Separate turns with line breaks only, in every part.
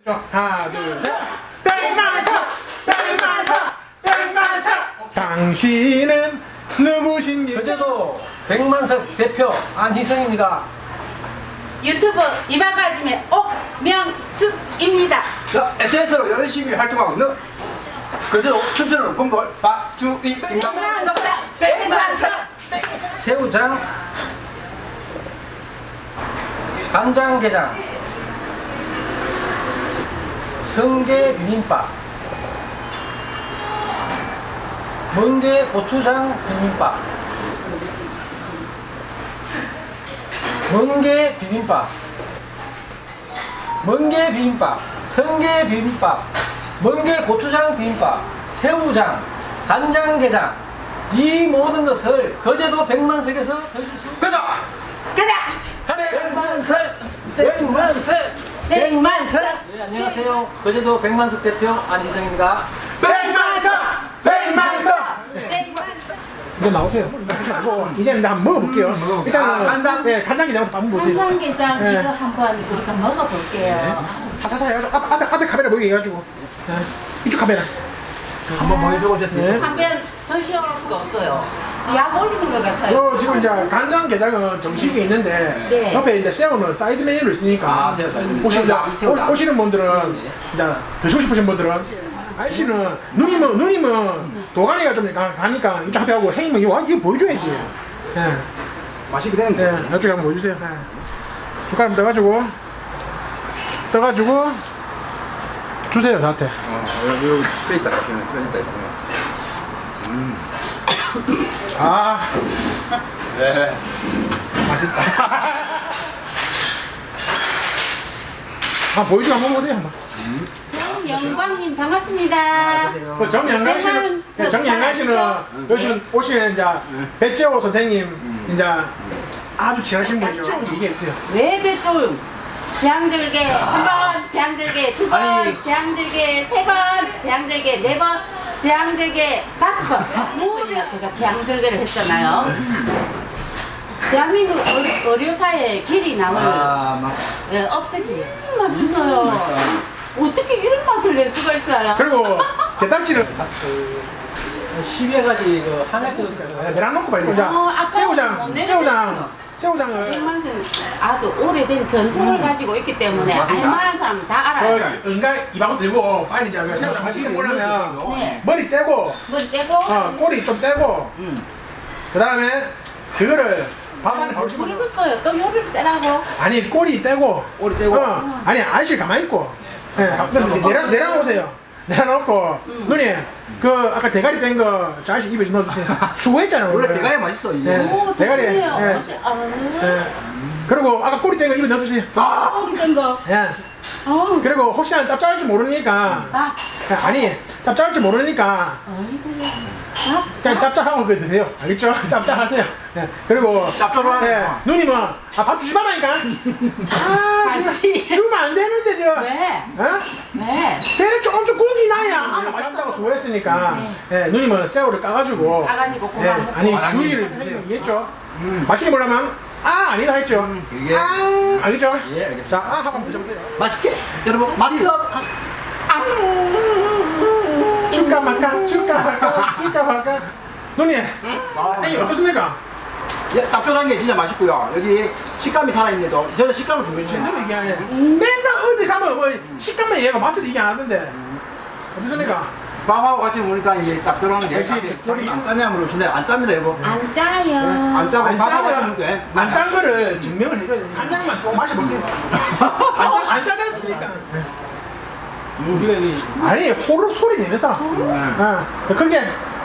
하나 둘셋 백만석 백만석 백만석 당신은 누구십니까?
어제도 백만석 대표 안희성입니다.
유튜브 이방가짐의 옥명숙입니다.
SNS로 열심히 활동하고 있는 그저 춤추는 봉골 박주희입니다.
백만석
새우장, 간장게장, 성게 비빔밥, 멍게 고추장 비빔밥, 멍게 비빔밥, 멍게 비빔밥, 성게 비빔밥, 멍게 고추장 비빔밥, 새우장, 간장게장, 이 모든 것을 거제도 백만석에서 드실 수
가자!
가자
백만석! 백만석!
백만석
네, 안녕하세요. 거제도 백만석 대표 안희성입니다.
백만석 백만석
백만석
이제 나오세요. 이제 한번 먹어볼게요. 일단은
간장.
네, 간장게장부터 한번 보세요.
간장게장
네.
이거 한번 우리가 먹어볼게요.
사사사 해가지고 앞에 카메라 보이게 해가지고 네. 이쪽 카메라.
한번 보여주고
네.
한번 더 시원할 수가 없어요. 약 올리는 것 같아요.
요 지금 이제 간장게장은 정식이 있는데
네.
옆에 이제 새우는 사이드 메뉴로 있으니까
아, 새우장.
오시는 분들은 이제 드시고 싶으신 분들은 아저씨는 누님은 도가니가 좀 가니까 이쪽 앞에 하고 행이면 이거 보여줘야지. 예.
맛있게 되는
네,
거.
이쪽에 한번 보여주세요. 네. 숟가락 떠가지고 주세요 저한테.
여기 빼 있다. 빼 있다.
아
네.
맛있다. 아 보여주고 한번 보세요 한번.
영광님 반갑습니다.
그 정양강 씨는 정양강 씨는 요즘 오시는 이제 배재호 선생님 이제 아주 친하신 분이죠. 얘기했어요.
왜 배좀 재앙들게 한 번, 재앙들게 두 번,
아니.
재앙들게 세 번, 재앙들게 네 번, 재앙들게 다섯 번. 모두 제가 재앙들게를 했잖아요. 대한민국 의료사의 길이 남을 업적이 맛있어요. 어떻게 이런 맛을 낼 수가 있어요?
그리고 게딱지를
10여 가지 그 한약들
내랑 놓고 봐요. 이제
아까
새우장을
백만승 아주 오래된 전통을 가지고 있기 때문에
맞습니다.
알만한 사람은 다 알아요.
그 인간 이방울 들고 빨리 이제 그 새우장 맛있게 먹으려면
네.
머리 떼고
머리 떼고
꼬리 좀 떼고 그 다음에 그거를 밥 안에 바로 집어넣어.
모르겠어요. 또 요리를 떼라고.
아니 꼬리 떼고
꼬리 떼고.
아니 아저씨 가만히 있고 내려놓으세요. 내려놓고 누님 그 아까 대가리 뗀 거 저 아저씨 입에 좀 넣어주세요. 수고했잖아요.
원래
오늘.
대가리 맛있어 이게.
네.
오,
대가리,
좋네요.
예. 그리고 아까 꼬리 뗀 거 입에 넣어주세요.
꼬리 뗀 거.
예.
어우,
그리고 혹시나 짭짤할 줄 모르니까
아,
아니 짭짤할 줄 모르니까
어이구. 아,
그냥 짭짤하고 그 드세요. 알겠죠? 짭짤하세요. 예. 그리고
짭짤하네.
예. 누님은 밥 주지 말라니까.
같이.
주면 안 되는데 저.
왜?
어?
왜?
걔는 조금 고기 나야. 맛있다고 수고했으니까. 예. 누님은 새우를 까가지고.
까가지고
예.
고만 먹고.
아니 주의를 주세요. 이해했죠? 맛있게 먹으려면 아니다 했죠.
이게.
알겠죠?
예, 알겠습니다.
자 하고 한번 드셔보세요.
맛있게 여러분 맛있어.
줄까 말까. 누님. 아니 어떻습니까?
예, 짭조름한 게 진짜 맛있고요. 여기 식감이 살아있는데도 저는 식감을 중요시
제대로
해요.
얘기하네. 맨날 어디 가면 뭐 식감만 얘기하고 맛을 얘기 안 하던데. 어떻습니까?
밥하고 같이 먹으니까 이게 짭조름한 게
역시
안 짜면 모르시네. 안 짭니다 여보.
안 짜요.
안 짜고
안
밥하고 같이
짜면
먹게.
안짠 거를 증명을 해줘야 돼. 간장만 조금 마셔볼게. 안 짜냈으니까.
우리가 이
아니 호로 소리 내면서. 그렇게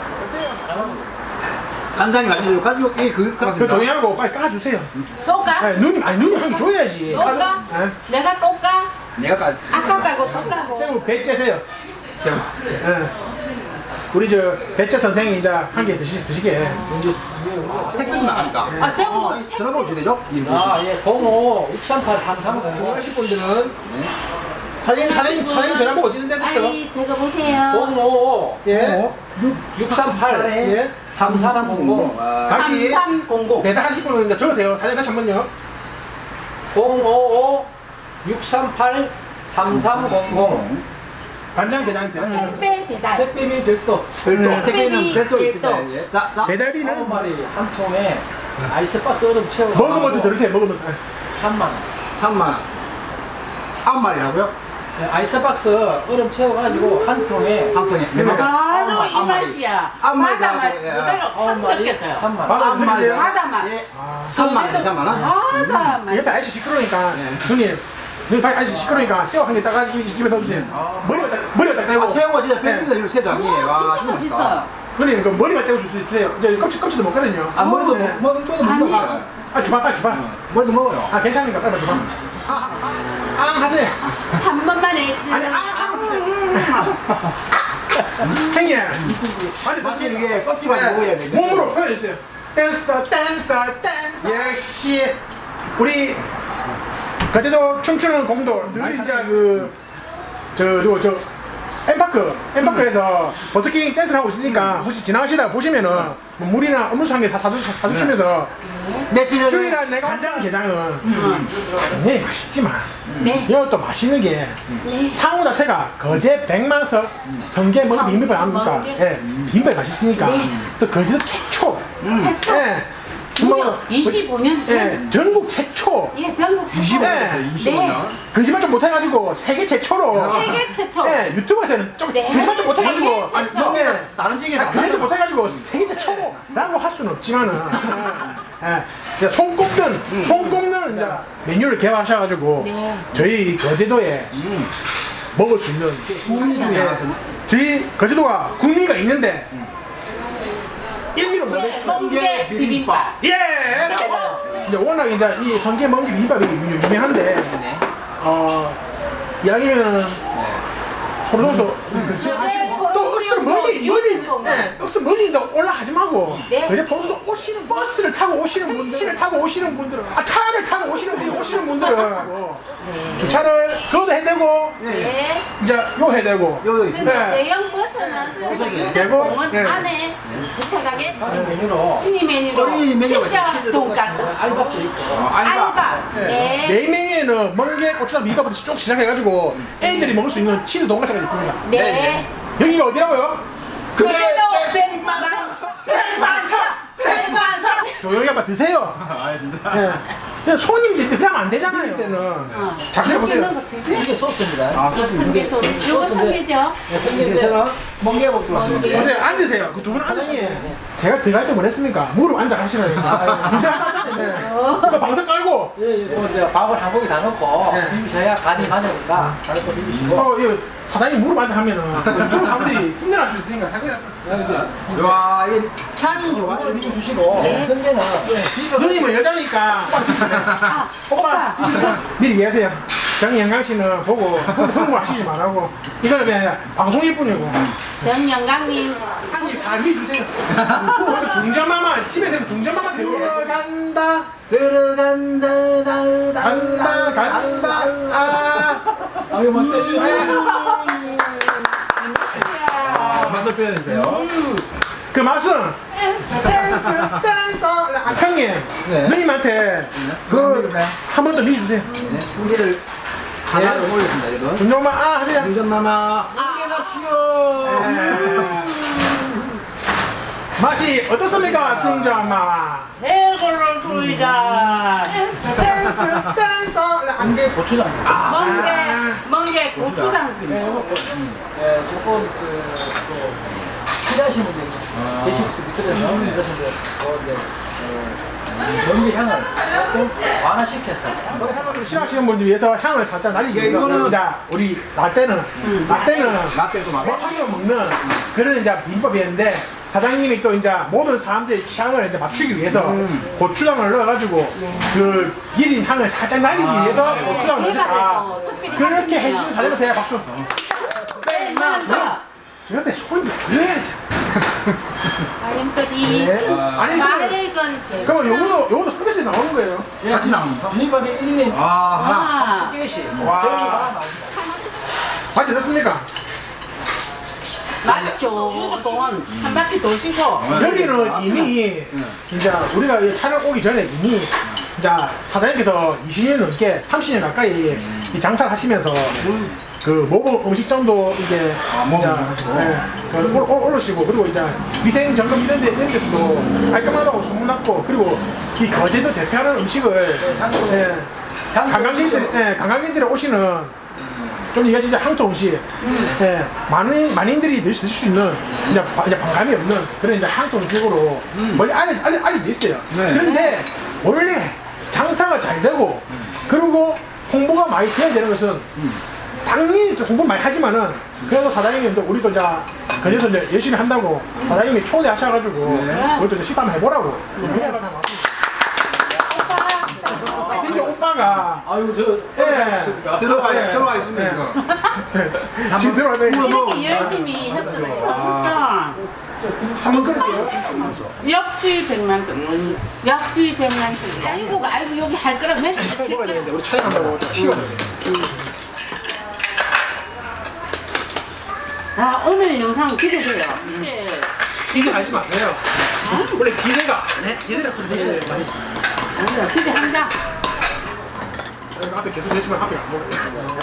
간장이 맛있어요. 가지고
그 조용하고 빨리 까주세요.
또 까?
누님 한 개 줘야지.
또 까?
예.
내가 또 까?
내가 까.
아까 까고 또 까고.
새우 배째세요.
새우.
예. 우리 저 배째 선생이 이제 한 개 드시게.
택배도 나가니까.
아, 저거
전화번호 주시죠?
예, 05 638 33 하실 분들은
사장님 전화번호 어디 있는데 그죠?
빨리 적어보세요.
05
예.
638
예.
3300
다시
3300.
배달하실 분은 이제 적으세요. 사장님 다시 한번요.
055 638 3300
간장게장 배달.
택배 배달.
택배비 별도
별도 택배는 별도
별도.
있습니다. 예. 자,
배달비는
9마리 한 통에 아이스박스 얼음 채워
먹으면서 들으세요. 먹으면서.
3만 원.
3만 원. 9마리라고요?
네, 아이스박스 얼음 채워가지고 한 통에
한 통에 몇 마리?
바로 이
아홉 마리.
맛이야.
아홉 마리
바다 맛
나오고, 예.
그대로 확
9마리
느껴져요.
3만 원.
바다
한 마리.
바다 맛.
예.
아.
3만 원, 3만 원?
바다 맛.
옆에 아저씨 시끄러우니까
네.
누님 빨리 아저씨 시끄러우니까 새우 한 개 따가지고 입에 넣어주세요. 머리만 딱 떼고.
아, 새우가 진짜
네.
100m 이거 세장이에요. 와, 진짜 맛있다.
맛있어요.
누님 그 머리만 떼고 주세요. 이제 껍질도 먹거든요.
아, 머리도
네.
머리도
아니.
먹어요.
아 주방 빨리 주방.
머리도 먹어요.
아 괜찮으니까 빨리 주방. 하세요.
한 번만 해주세요.
아니 형님. 아니
사실 이게 껍질만 먹어야 돼.
몸으로 표현해주세요. 댄서 역시 우리 그때도 춤추는 공돌 늘 진짜 저 엠파크에서 버스킹 댄스를 하고 있으니까 혹시 지나가시다가 보시면은 뭐 물이나 음료수 한 개 다 사주시면서
며칠 전에
주일날 내가 간장게장은 굉장히 맛있지만
네.
이것도 맛있는 게 상호 자체가 거제 백만석 성게 먹은 비빔밥 아닙니까?
멍게.
예, 비빔밥이 맛있으니까
네.
또 거제도 최초
최초.
예,
무려 25년 전.
예, 전국 최초
예, 전국 최초.
25년 됐어요. 25년.
거짓말 좀 못해가지고 세계 최초로
세계 최초.
예, 유튜브에서는 좀
네.
거짓말 좀 못해가지고
세계 최초.
아니, 예,
다른 지역에서
그래도 못해가지고 세계 최초라고 할 수는 없지만은 예, 손 꼽는 이제 메뉴를 개발하셔가지고
네.
저희 거제도에 먹을 수 있는
우리 중에
예,
하나는
저희 거제도가 구미가 있는데 1미로
네, 멍게 비빔밥.
예! 이제 워낙 이제 이 성게 멍게 비빔밥이 유명한데 이야기면은 호로도 또 억수로 멀리 네, 억수로 멀리도 올라가지 말고
네.
그제 보면서 오시는 버스를 타고 오시는 분들은 차를 타고 오시는 분들은 주차를 그것도 해대고
네.
이제 요 해대고
요도 있습니다.
네.
대형 버스는
되고,
공원
네.
안에 주차장에
다른 메뉴로
미니 메뉴로
어린이 메뉴가
치즈
치즈
돈가스,
알밥도 있고
알밥. 네.
메인 메뉴에는 멍게 고추장 비빔밥부터 쭉 시작해가지고 애들이 먹을 수 있는 치즈 돈가스가 있습니다.
네.
여기가 어디라고요?
그래도 백만석.
조용히 한번 드세요.
알겠습니다.
예. 그냥 손님들 그러면 안 되잖아요. 그때는 자 들어보세요.
이게 소스입니다.
아, 소스
성게 소스. 요거 성게죠?
네, 성게인데
괜찮아? 멍게 먹기로
멍게.
왔습니다.
보세요. 앉으세요. 그 두 분 앉으시네. 제가 들어갈 때 뭐랬습니까? 무릎 앉아 하시라니까. 이거 방석 깔고.
뭐 이제 밥을 한 고기 다 넣고
네.
비비셔야 간이 맞으니까 다른 거 비비시고
이거 사장님 무릎 앉아 하면은 유튜브 사람들이 힘내날 수 있으니까 당연히
와, 이게 향이 좋아.
이거를 비벼주시고 성게는 비벼
누님은 여자니까 오빠 미리 얘기하세요. 정영강 씨는 보고 흥분하시지 말라고. 이거는 그냥 방송일 뿐이고.
정영강님.
한입 잘 해주세요. 그것도 중전마마 집에서는 중전마마 들어간다 간다
아 이거 맞죠?
맛을 표현해주세요.
그 맛은 댄서 형님
네.
누님한테 그 한 번 더 미주세요.
네, 고기를 하나를 올렸습니다, 여러분.
중전마 하세요.
중전마마.
맛이 어떻습니까 중전마마?
해골로 소이자.
댄서
안개 고추장
멍게 고추장
네,
비빔.
요거 조금 또 필요하신 분들 데식스 밑에서 이것인데 연기 향을 조금 완화시켜서
향을 싫어하시는 분들 위해서 향을 살짝 날리기
예,
위해서
이거는-
자 우리 라떼는
라떼도 맛.
배하게 먹는 그런 이제 비법이었는데 사장님이 또 이제 모든 사람들의 취향을 이제 맞추기 위해서 고추장을 넣어가지고 그 기린 향을 살짝 날리기 위해서 고추장을 넣으셨다. 그렇게 해주신 사장님한테 박수.
백만석.
저 옆에 손님 조용해야지.
아임소디.
네. 아니
맑은
그러면 요거도 서비스에 나오는 거예요.
같이 나옵니까?
비빔밥이 1인
아, 하나.
아.
1개씩
와.
제일 하나 나옵니다.
같이 넣습니까?
맞죠. 무조건 한 바퀴 도시고.
여기는 이미 이제 우리가 이 촬영 오기 전에 이미 이제 사장님께서 20년 넘게 30년 가까이 이 장사를 하시면서 그 모범 음식점도 이제 올르시고 그리고 이제 위생 점검 이런 데서도 깔끔하다고 소문났고 그리고 이 거제도 대표하는 음식을 관광객들이 오시는 좀 이게 진짜 향토 음식 많은들이 드실 수 있는 이제 반감이 없는 그런 이제 향토 음식으로 멀리 알려져 있어요.
네.
그런데 원래 장사가 잘 되고 그리고 홍보가 많이 돼야 되는 것은 당연히 홍보 많이 하지만은 그래도 사장님이 또 우리도 이제 그래서 이제 열심히 한다고 사장님이 초대하셔가지고 우리도 이제 식사 한번 해보라고 그래가지고 진짜 오빠가
아유 저
들어와 있습니다.
지금 들어왔네.
이렇게 열심히 협조를 해서
한번 끊을게요.
역시 100만 원. 역시 100만 원. 아이고 여기 할 거라고 맨날
먹어야 되는데 우리 촬영한다고 식어버려.
아 오늘 영상 기대돼요.
기대 하지 마세요. 원래 기대가 기대를 좀 해야 돼요.
아니요 기대한다.
앞에 계속 해주면 앞에 안 먹어요.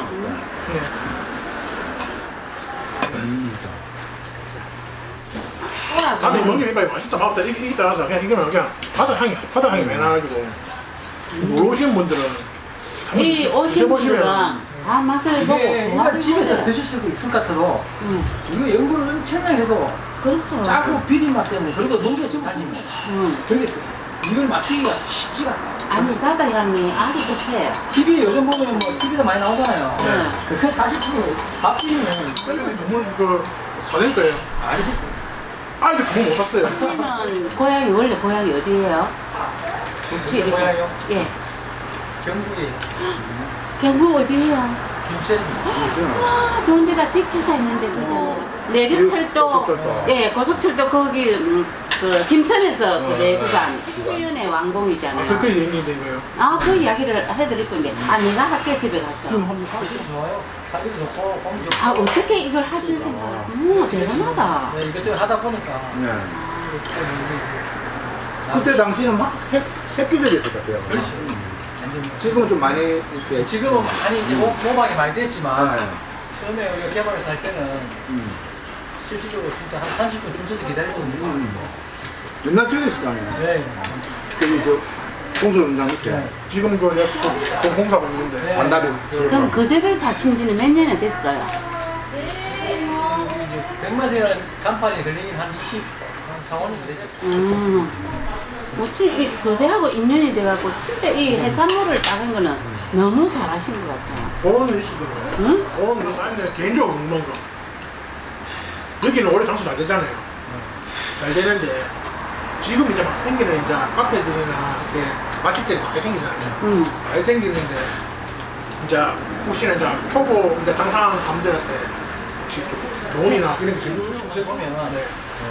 다음에 먹는 게 맛있다 맛없다 이게 따라서 그냥 이거는 그냥 바다 향이 많이 나가지고 모르시는 분들은
이 오신 분들은 다 맛을 보고
이게 일반 집에서 드실 수도 있을 것 같아도 이거 연구를 엄청나게 해도
그렇죠.
짜고 비린 맛 때문에 그리고 농기가 좀 다집니다. 근데 이걸 맞추기가 쉽지가 않아요.
아니 바다 향이 아주 좋대요.
TV 요즘 보면 뭐 TV도 많이 나오잖아요. 그게 사실 밥 비리면
너무 그 사낼 거예요.
아니지.
아직 그거 못 샀어요.
언니는 고향이 원래 고향이 어디예요? 혹시 이렇게-
고향이요?
예.
경북이
경북 어디예요?
김천.
와 좋은 데가 직지사 있는데 그죠? 내륙철도
고속철도.
예 고속철도 거기 그 김천에서 그 내구간 7년의 왕봉이잖아요.
그렇게 얘기인데 이거요.
그 이야기를 해드릴 건데 내가 학교 집에 갔어.
좋아요. 살기 좋고 공기 좋고.
어떻게 이걸 하실 생각? 대단하다.
네, 이것저것 하다 보니까
네. 그때 당시는 막 획기적이었을 것 같아요.
그렇지.
지금은 좀 많이 이렇게
지금은 많이 이제 모방이 많이 됐지만
네.
처음에 우리가 개발해서 할 때는 실질적으로 진짜 한 30분 줄 서서 기다리거든요.
옛날 쪽이었잖아요.
네.
그리고 저 공소영장 밑에
지금 그 공사하고 있는데
네.
완다리.
그럼 거제도에 사신 지는 몇 년이 됐어요?
이제 백마세라는 간판이 걸리긴 한 20, 한 4, 5년 되죠.
어찌 거제하고 인연이 돼갖고 진짜 이 해산물을 따는 거는 너무 잘하신 것 같아요.
보험을 있거든요.
응?
보험은 아니면 개인적으로 먹는 거. 여기는 원래 장수 잘 되잖아요. 잘 되는데 지금 이제 막 생기는 이제 카페들이나 이렇게 맛집들이 많이 생기잖아요. 많이 생기는데 이제 혹시나 이제 초보 이제 장사하는 사람들한테 혹시 좀 조언이나 이런 게 좀
보면
네.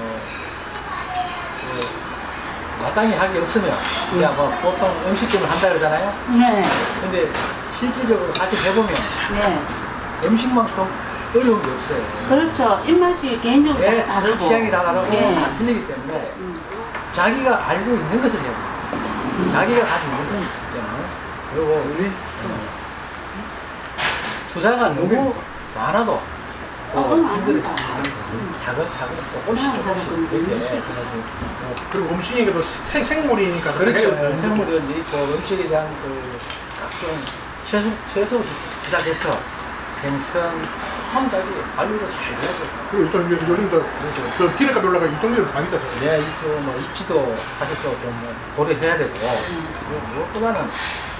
마땅히 할 게 없으면 그냥 뭐 보통 음식점을 한다 그러잖아요.
네.
근데 실질적으로 같이 해보면
네.
음식만큼 어려운 게 없어요.
그렇죠. 입맛이 개인적으로
예,
다 다르고.
취향이 다 다르고
예.
다 틀리기 때문에 자기가 알고 있는 것을 해야 돼요. 자기가 가지고 있는 것을 있잖아요. 그리고 투자가 너무 많아도 힘들어요. 차근차근 조금씩 이렇게 해가지고
그리고 음식이 생물이니까
그렇죠.
그래요.
생물도 있고 음식에 대한 그 각종 채소 시작해서 생선 한가지 알루도 잘 되고
그리고 또 요즘 또 기름값 올라가 유통비도 많이 싸잖아요.
네, 뭐 입지도 가격도 좀 고려해야 되고 무엇보다는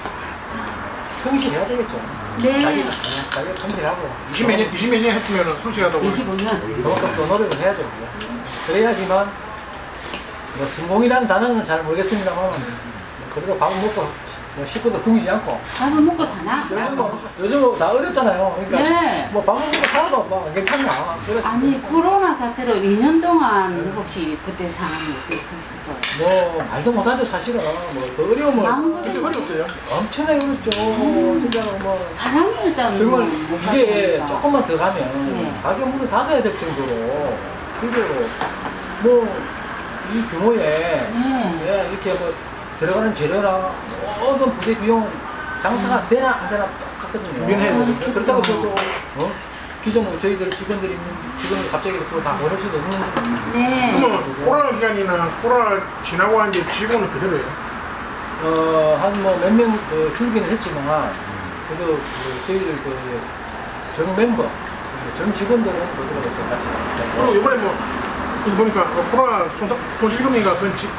성실해야 되겠죠.
네.
자기가 성실하고
20몇 년 했으면 성실하다고.
25년.
그만큼 또 노력을 해야 되고 그래야지만 뭐 성공이라는 단어는 잘 모르겠습니다만 그래도 밥을 먹고 뭐 식구도 굶이지 않고
밥을 먹고 사나?
요즘 다 어렵잖아요. 그러니까
네.
뭐 밥 먹고 살아도 뭐 괜찮나. 그래서
아니 코로나 사태로 2년 동안 혹시 그때 상황이 어땠을까요?
뭐 말도 못하죠 사실은. 뭐그 어려움을
마음도
그때 어려웠어요.
엄청나게 어렵죠. 진짜로 뭐
사람이 일단
정말
못
이게
봤으니까.
조금만 더 가면
네.
가게 문을 닫아야 될 정도로 그리고 뭐 이 규모에
네.
예, 이렇게 뭐 들어가는 재료랑 모든 부대 비용 장사가 되나 안 되나 똑같거든요.
준비는 해야 되거든요.
그렇다고 저도 기존 저희들 직원들이 있는 직원들 갑자기 그거 다 버릴 수도 없는
네.
그러면 코로나 기간이나 코로나 지나고 한 이제 직원은 그대로예요.
한 뭐 몇 명 줄기는 했지만 그래도 저희들 정 멤버 정 직원들은 그대로 같이
그리고 이번에 뭐 보니까 코로나 손실금이가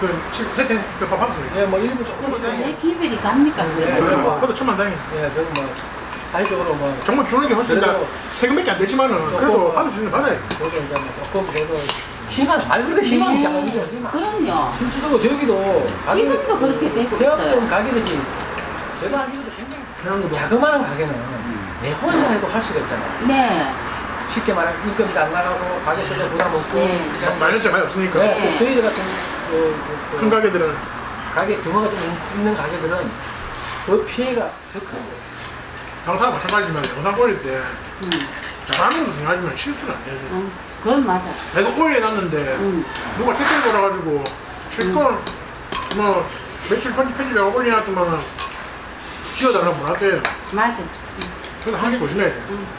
그 받았습니다.
예, 뭐 일부 조금씩
내 기별이 갑니까?
네,
그래.
네.
그것도 천만 다행이에요.
예, 그럼 뭐 사회적으로 뭐
정말 주는 게 훨씬 다
그래도
세금밖에 안 되지만은 그래도 받을 수 있는 거 받아요.
그래도 이제 뭐 조금 그래도 희망 말 그대로 희망이 아니죠 희망.
그럼요.
실제로 저기도
지금도 그렇게 되고 있어요.
폐업된 가게들이 제가 알기로도 굉장히
해양도
자그마한 가게는 내 혼자 해도 할 수가 있잖아요.
네.
쉽게 말하면 인건비도 안 나가고 가게 세대 부담 없고
네.
그냥
마이너스가 많이 없으니까
네, 저희들 같은
큰 가게들은
가게 규모가 좀 있는 가게들은 그 피해가 더 크고
장사가 마찬가지지만 영상 올릴 때
음.
잘하는 것도 중요하지만 실수는 안 해야 돼.
그건 맞아.
내가 올려놨는데 누가 댓글 걸어가지고 실컷 뭐 며칠 편집하고 올려놨더만 지워달라고 뭐 할게요.
맞아.
그래서 항상 조심해야 돼.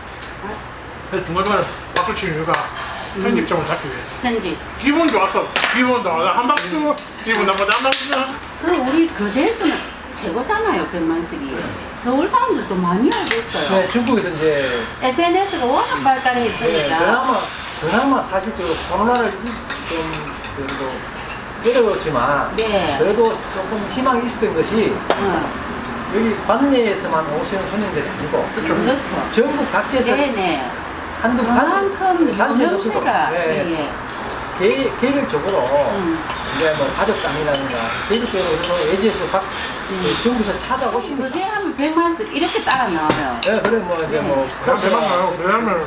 그래서 중간중간에 박수 치는 이유가 편집점을 잡기 위해서.
편집.
기분 좋았어. 기분 좋아. 한 박수. 기분 나쁘다. 한 박수.
그 우리 거제에서는 최고잖아요. 백만석이. 서울 사람들도 많이 알고 있어요.
네, 중국에서 이제
SNS가 워낙 발달해
네,
있으니까.
그나마 사실적으로 코로나를 좀 그래도 어려웠지만
네.
그래도 조금 희망이 있었던 것이 여기 관내에서만 오시는 손님들이 아니고
그렇죠.
전국 각지에서
네네.
한두
그만큼
단체도 없어도
유명세가
네,
예.
개별적으로 이제 뭐 가족당이라든가 개별적으로 그래서 예지에서 각 전국에서 찾아오시는
거제 하면 백만석 이렇게 따라 나와요.
네, 그래 뭐 이제 뭐
그럼 대박 나요. 왜냐면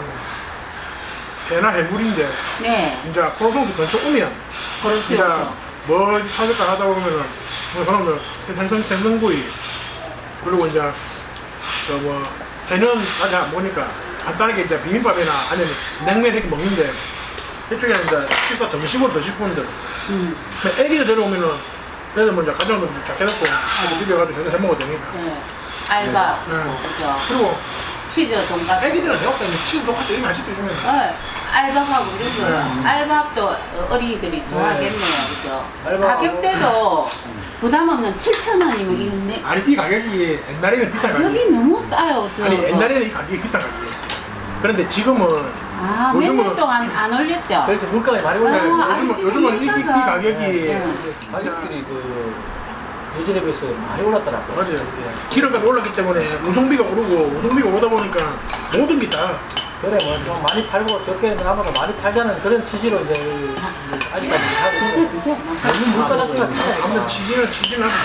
배나 해물인데
네.
이제 코로송수 근처 오면 이제
그렇죠.
뭐 찾을까 하다 보면은 뭐 그러면 생선구이 그리고 이제 그뭐 해는 아직 안 보니까 간단하게 이제 비빔밥이나 아니면 냉면 이렇게 먹는데 이쪽에 이제 식사 점심으로 드실 분들 애기들 데려오면은 애들 먼저 가져오면 쫙 해놓고 비벼가지고 해 먹어도 되니까.
네. 알밥.
네.
그죠.
그리고
치즈 돈가스.
애기들은 내가 볼때 치즈 똑같이 이런 거 안 시켜주면
알밥하고 이런 거. 알밥도 어린이들이 좋아하겠네요. 그죠. 가격대도 부담 없는 7,000원이면 있네.
아니 이 가격이 옛날에는 비싼 가격이
가격이 너무 싸요.
아니 옛날에는 이 가격이 비싼 가격이었어. 그런데 지금은
몇 년 동안 안 올렸죠?
그렇죠 물가가 많이
아,
올라요.
아니,
요즘은 이
비싸다.
가격이
가족들이 그 예전에 비해서 많이 올랐더라고요.
맞아요.
예.
기름값이 올랐기 때문에 운송비가 오르고 운송비가 오르다 보니까 모든 게 다
그래 뭐 좀 많이 팔고 적게 나보다 많이 팔자는 그런 취지로 이제 아직까지 하고 있고 요즘 물가 자체가 비싸요.
아무튼 치기는 하고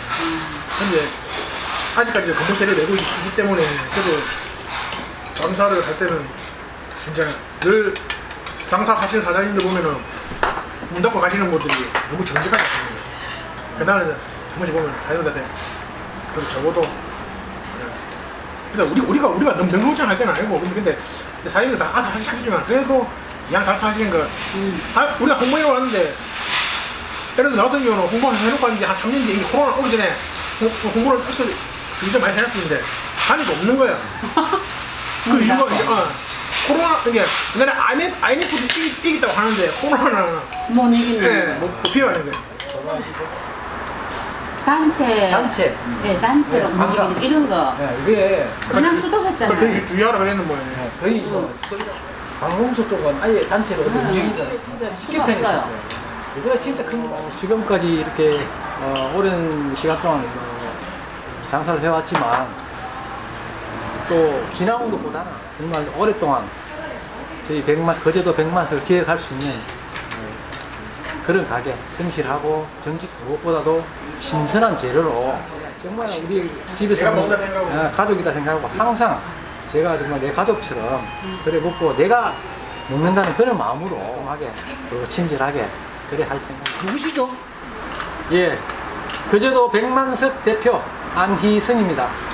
근데 아직까지 건물세를 내고 있기 때문에 그래도 장사를 할 때는 진짜 늘 장사하시는 사장님들 보면은 문 닫고 가시는 분들이 너무 정직하게 하시는 거예요. 그러니까 나는 한 번씩 보면 다이어트한테 그럼 적어도 근데 우리가 너무 능동장 할 때는 아니고 근데 사장님들 다 알아서 하시지만 그래도 이왕 장사하시는 거 우리가 홍보해놓고 왔는데 예를 들어 나 같은 경우는 홍보 해놓고 왔는데 한 3년 뒤에 이게 코로나 오기 전에 홍보를 벌써 주기전 많이 해놨는데 한이도 없는 거야. 그 이유가 이제 코로나 이게 옛날에 IMF도 이겼다고 하는데 코로나는
못 이기는
못 피해가는 거야.
단체. 네, 단체로
네,
움직이는 이런 거.
네, 이게
그냥 수도했잖아요.
그러니까 주의하라 그랬는 모양이에요.
거의 방공소 쪽은 아예 단체로 움직이는 진짜 식격탄이 있었어요. 이거 진짜 큰 거. 지금까지 이렇게 오랜 시간 동안 장사를 해왔지만 또 지나온 것보다는 정말 오랫동안 저희 거제도 백만석을 기획할 수 있는 그런 가게, 성실하고 정직 무엇보다도 신선한 재료로 정말 우리 집에서
내가 먹는다 생각하고
가족이다 생각하고 항상 제가 정말 내 가족처럼 그래 먹고 내가 먹는다는 그런 마음으로 하게 그리고 친절하게 그래 할 생각.
누구시죠?
예, 거제도 백만석 대표 안희선입니다.